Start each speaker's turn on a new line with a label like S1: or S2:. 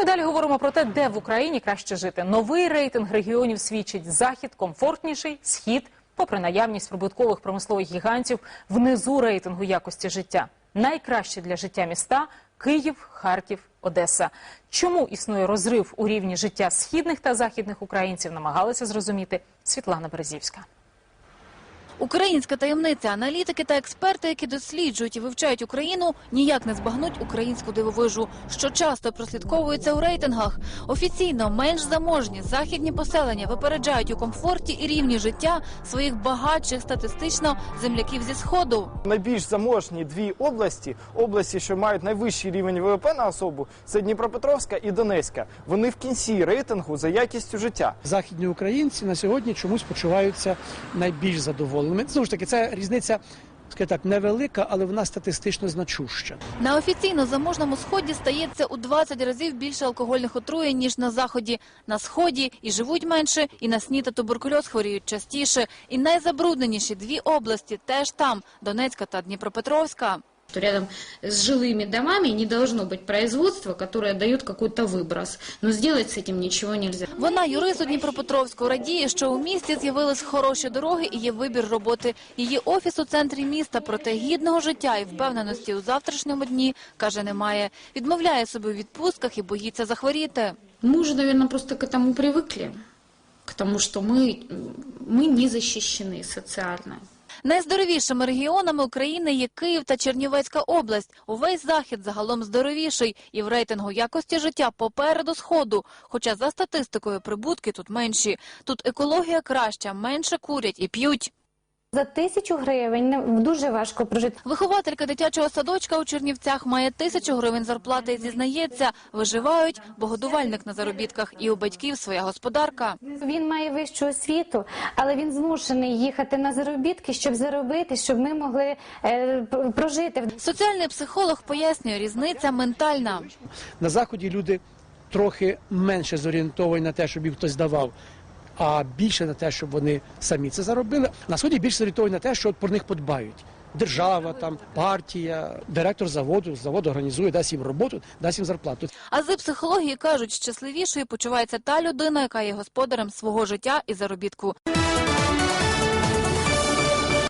S1: далі говоримо про те, де в Україні краще жити. Новий рейтинг регіонів свідчить: Захід комфортніший, Схід, попри наявність прибуткових промислових гігантів, внизу рейтингу якості життя. Найкраще для життя міста – Київ, Харків, Одеса. Чому існує розрив у рівні життя східних та західних українців, намагалася зрозуміти Світлана Березівська.
S2: Українська таємниця. Аналітики та експерти, які досліджують і вивчають Україну, ніяк не збагнуть українську дивовижу, що часто прослідковується у рейтингах. Офіційно менш заможні західні поселення випереджають у комфорті і рівні життя своїх багатших статистично земляків зі Сходу.
S3: Найбільш заможні дві області, що мають найвищий рівень ВВП на особу, це Дніпропетровська і Донецька. Вони в кінці рейтингу за якістю життя.
S4: Західні українці на сьогодні чомусь почуваються найбільш задоволеними. Знову ж таки, ця різниця, скажімо так, невелика, але вона статистично значуща.
S2: На офіційно заможному Сході стається у 20 разів більше алкогольних отруєнь, ніж на Заході. На Сході і живуть менше, і на СНІД та туберкульоз хворіють частіше. І найзабрудненіші дві області теж там – Донецька та Дніпропетровська.
S5: Рядом с жилыми домами не должно быть производства, которое дает какой-то выброс. Но сделать с этим ничего нельзя.
S2: Вона, юрист у Дніпропетровську, радіє, що у місті з'явились хороші дороги і є вибір роботи. Її офіс у центрі міста, проте гідного життя і впевненості у завтрашньому дні, каже, немає. Відмовляє собі у відпустках і боїться захворіти.
S5: Мы уже, наверное, просто к этому привыкли. К тому, что мы не защищены социально.
S2: Найздоровішими регіонами України є Київ та Чернівецька область. Увесь Захід загалом здоровіший і в рейтингу якості життя попереду Сходу. Хоча за статистикою прибутки тут менші. Тут екологія краща, менше курять і п'ють.
S6: За 1000 гривень дуже важко прожити.
S2: Вихователька дитячого садочка у Чернівцях має 1000 гривень зарплати і зізнається, виживають, бо годувальник на заробітках і у батьків своя господарка.
S6: Він має вищу освіту, але він змушений їхати на заробітки, щоб заробити, щоб ми могли прожити.
S2: Соціальний психолог пояснює, різниця ментальна.
S4: На Заході люди трохи менше зорієнтовані на те, щоб їм хтось давав, а більше на те, щоб вони самі це заробили. На Сході більше зорієнтовані на те, що про них подбають. Держава, там, партія, директор завод організує, дасть їм роботу, дасть їм зарплату.
S2: Ази психології кажуть, щасливішою почувається та людина, яка є господарем свого життя і заробітку.